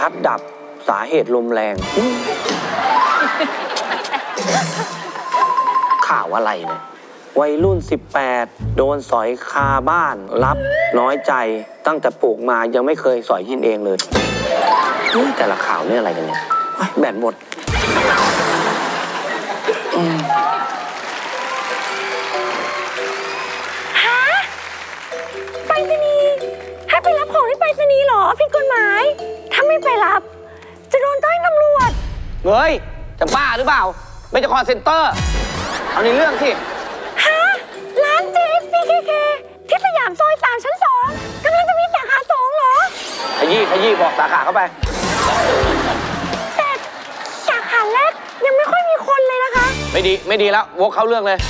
พัดดับสาเหตุลมแรง ข่าวอะไรเนี่ยวัยรุ่น 18 โดนสอยคาบ้านรับน้อยใจตั้งแต่ปลูกมายังไม่เคยสอยกินเองเลยแต่ละข่าวเนี่ยอะไรกันเนี่ยแบตหมดฮะไปรษณีย์ให้ไปรับของที่ไปรษณีย์เหรอผิดกฎหมายถ้าไม่ไปรับจะโดนต้อยตำรวจเฮ้ยจะบ้าหรือเปล่าไม่จะคอเซ็นเตอร์เอาในเรื่องสิฮะร้าน JSPKK ที่สยามซอย3 ชั้น 2กำลังจะมีสาขา 2เหรอขยี้บอกสาขาเข้าไปแต่สาขาแรกยังไม่ค่อยมีคนเลยนะคะไม่ดีแล้ววกเข้าเรื่องเลย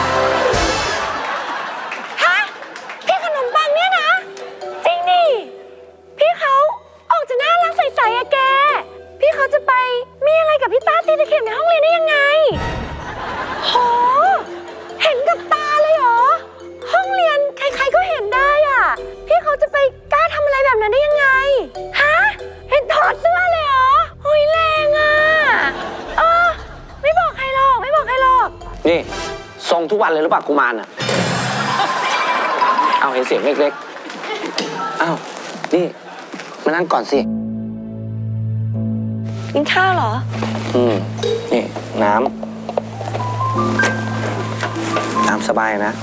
ฮะพี่ขนมปังเนี่ยนะจริงดิพี่เขาออกจะน่ารักใสๆอะแกพี่เขาจะไปมีอะไรกับพี่ต้าตีตะเข็บในห้องเรียนได้ยังไงโหเห็นกับตาเลยเหรอห้องเรียนใครๆก็เห็นได้อะพี่เขาจะไปกล้าทำอะไรแบบนั้นได้ยังไงฮะเห็นถอดเสื้อเลยเหรอโอ้ยแรงอะไม่บอกใครหรอกนี่ส่งทุกวันเลยหรือเปล่ากุมารอ่ะเอาเห็นเสียงเล็กๆอ้าวนี่มานั่งก่อนสิกินข้าวเหรอนี่น้ำสบายนะ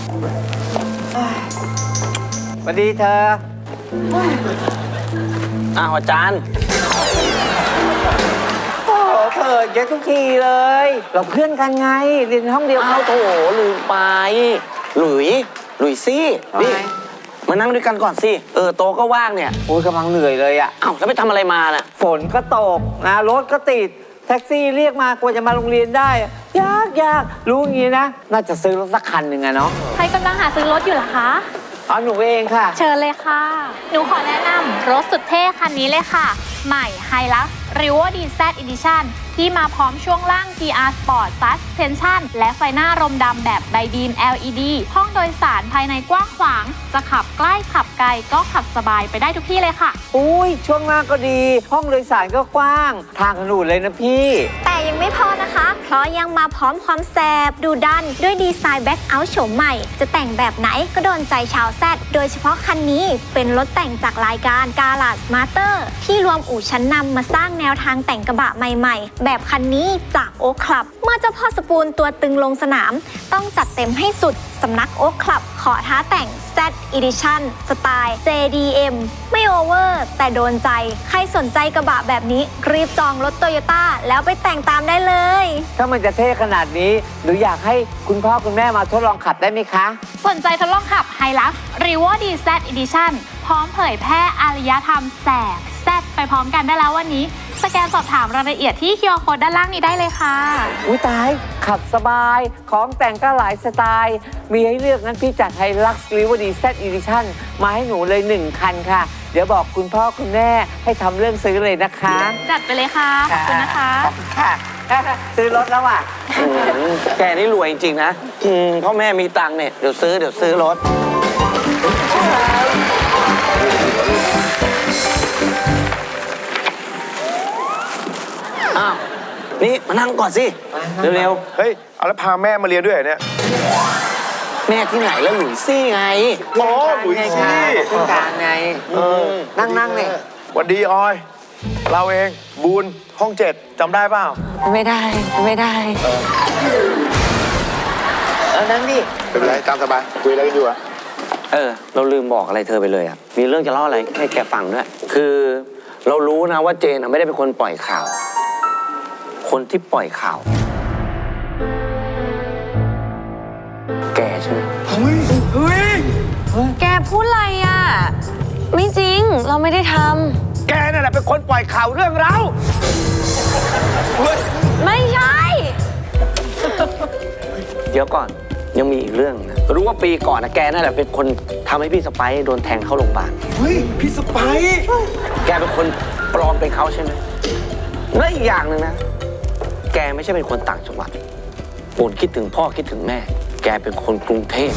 สวัสดีเธออ้าวอาจารย์โอ้เธอเยอะทุกทีเลยเราเพื่อนกันไงเรียนห้องเดียวเขาโถลืมไปหลุยซี่นี่มานั่งด้วยกันก่อนสิโตก็ว่างเนี่ยโอ้ยกำลังเหนื่อยเลยอะอ้าวแล้วไปทำอะไรมาน่ะฝนก็ตกนะรถก็ติดแท็กซี่เรียกมากว่าจะมาโรงเรียนได้ยากรู้อย่างนี้นะน่าจะซื้อรถสักคันหนึ่งอะเนาะใครกำลังหาซื้อรถอยู่เหรอคะหนูเองค่ะเชิญเลยค่ะหนูขอแนะนำรถสุดเท่คันนี้เลยค่ะใหม่ Hilux Revo DZ Edition ที่มาพร้อมช่วงล่าง GR Sport Suspension และไฟหน้ารมดำแบบไดบีม LED ห้องโดยสารภายในกว้างขวางจะขับใกล้ขับไกลก็ขับสบายไปได้ทุกที่เลยค่ะอุ้ยช่วงล่างก็ดีห้องโดยสารก็กว้างทางถนนเลยนะพี่แต่ยังไม่พอนะคะเพราะยังมาพร้อมความแสบดูดันด้วยดีไซน์แบ็คเอาท์โฉมใหม่จะแต่งแบบไหนก็โดนใจชาวแซดโดยเฉพาะคันนี้เป็นรถแต่งจากรายการ Garage Master ที่รวมอู่ชั้นนำมาสร้างแนวทางแต่งกระบะใหม่ๆแบบคันนี้จากโอ๊คคลับเมื่อเจ้าพ่อสปูนตัวตึงลงสนามต้องจัดเต็มให้สุดสำนักโอ๊คคลับขอท้าแต่ง Z Edition สไตล์ JDM ไม่โอเวอร์แต่โดนใจใครสนใจกระบะแบบนี้รีบจองรถโตโยต้าแล้วไปแต่งตามได้เลยถ้ามันจะเท่ขนาดนี้หนูอยากให้คุณพ่อคุณแม่มาทดลองขับได้ไหมคะสนใจทดลองขับ Hilux Revo DZ Edition พร้อมเผยแพร่อารยธรรมแสบแซ่บไปพร้อมกันได้แล้ววันนี้สแกนสอบถามรายละเอียดที่ QR Code ด้านล่างนี้ได้เลยค่ะอุ้ยตายขับสบายของแต่งก็หลายสไตล์มีให้เลือกงั้นพี่จัด Hilux Revo DZ Edition มาให้หนูเลย1 คันค่ะเดี๋ยวบอกคุณพ่อคุณแม่ให้ทำเรื่องซื้อเลยนะคะจัดไปเลยค่ะขอบคุณนะคะขอบคุณค่ะซื้อรถแล้วอ่ะแกนี่รวยจริงๆนะพ่อแม่มีตังค์เนี่ยเดี๋ยวซื้อรถอ้าวนี่มานั่งก่อนสิเร็วๆเฮ้ยเอาแล้วพาแม่มาเรียนด้วยเหรอเนี่ยแม่ที่ไหนแล้วหลุยซี่ไงอ๋อหลุยซี่คุณการไงนั่งเนี่ยสวัสดีออยเราเองบูนห้อง7จำได้เปล่าไม่ได้นั่งดิไม่เป็นไรตามสบายคุยอะไรกันอยู่อะเราลืมบอกอะไรเธอไปเลยอะมีเรื่องจะเล่าอะไรให้แกฟังด้วยคือเรารู้นะว่าเจนไม่ได้เป็นคนปล่อยข่าวคนที่ปล่อยข่าวแกใช่ไหมเฮ้ยแกพูดอะไรอะไม่จริงเราไม่ได้ทำแกนั่นแหละเป็นคนปล่อยข่าวเรื่องเราไม่ใช่เดี๋ยวก่อนยังมีอีกเรื่องนะรู้ว่าปีก่อนนะแกนั่นแหละเป็นคนทำให้พี่สไปซ์โดนแทงเข้าโรงพยาบาลเฮ้ยพี่สไปซ์แกเป็นคนปลอมเป็นเขาใช่ไหมและอีกอย่างหนึ่งนะแกไม่ใช่เป็นคนต่างจังหวัดโอนคิดถึงพ่อคิดถึงแม่แกเป็นคนกรุงเทพ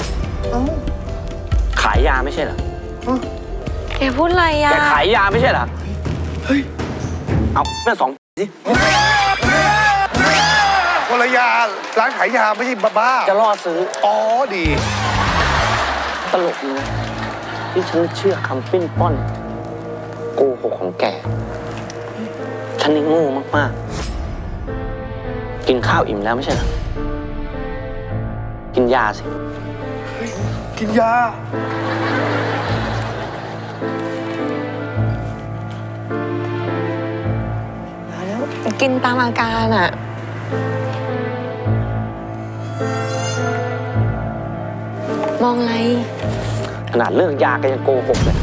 ขายยาไม่ใช่เหรอแกพูดอะไรอะแกขายยาไม่ใช่เหรอเฮ้ยเอาเมื่อสองสิคนละยาร้านขายยาไม่ใช่บ้าจะล่อซื้ออ๋อดีตลกดีนะที่ฉันเชื่อคำปิ้นป้อนโกหกของแก ฉันนี่โง่มากๆ กินข้าวอิ่มแล้วไม่ใช่เหรอ กินยาสิกินยากินตามอาการอะมองอะไรขนาดเลิกยาแกยังโกหกเลย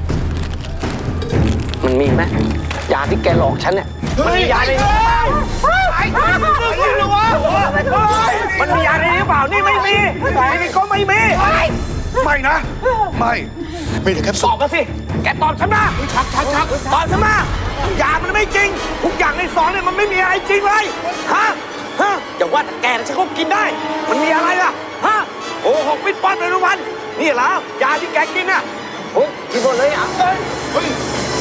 มันมีไหมยาที่แกหลอกฉันเนี่ย มันมียาในนี้มันมียาในนี้หรือเปล่า นี่ไม่มีนี่ก็ไม่มีไม่นะ ไม่มีแต่แคปตซูอลบมาสิ แกตอบฉันมาชักตอบฉันมายามันไม่จริง ทุกอย่างในซองเนี่ยมันไม่มีอะไรจริงเลย ฮะอย่าว่าแต่แกนะฉันก็กินได้ มันมีอะไรล่ะ ฮะโกหกปิ้นป้อนไปทุกวัน นี่เหรอยาที่แกกินน่ะโอ้ยกินหมดเลยอ่ะเฮ้ย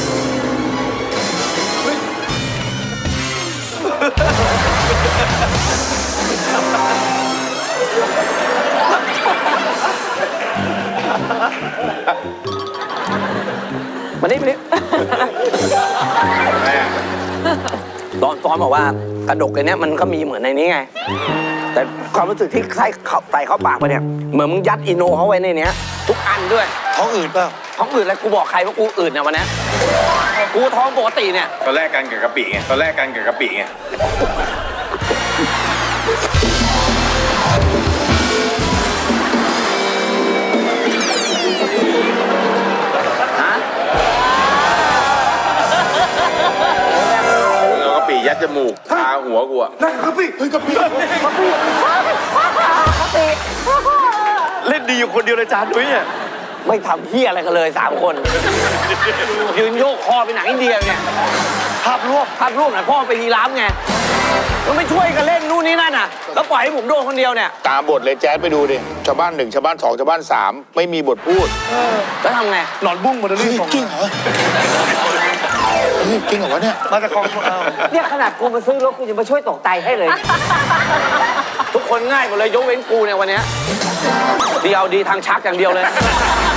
มานี่ตอนซ้อมบอกว่ากระดกไอ้เนี้ยมันก็มีเหมือนในนี้ไง แต่ความรู้สึกที่ใส่เข้าปากไปเนี่ยเหมือนมึงยัดอีโนเขาไว้ในเนี้ยทุกอันด้วยท้องอืดเปล่าท้องอืดอะไรกูบอกใครว่ากูอืดเนี่ยวันนี้กูท้องปกติเนี่ยตอนแรกกันกับกะปิไง ตอนแรกกันกับกะปิไงฮะมึงเอากะปิยัดจมูกคาหัวกูอะนั่นกะปิเฮ้ยกะปิเล่นดีอยู่คนเดียวเลยจานดุ้ยเนี่ยไม่ทำเฮียอะไรกันเลย3 คน ยืนโยกคอไปหนังอินเดียเนี่ยภาพรวมภาพรูปไหนพ่อไปยีราฟไงมันไม่ช่วยกันเล่นนู่นนี่นั่นน่ะ แล้วปล่อยให้ผมโดนคนเดียวเนี่ยตามบทเลยแจ๊ดไปดูดิ ชาวบ้าน 1 ชาวบ้าน 2 ชาวบ้าน 3 ไม่มีบทพูดแล้วทำไงหนอนบุ้งหมดเลยจริงเหรอจริงเหรอวะเนี่ยมาจากกองทุนเอาเนี่ยขนาดกูมาซื้อรถกูยังมาช่วยตกใจให้เลยทุกคนง่ายหมดเลยยกเว้นกูเนี่ยวันเนี้ยเดียวดีทางชักอย่างเดียวเลย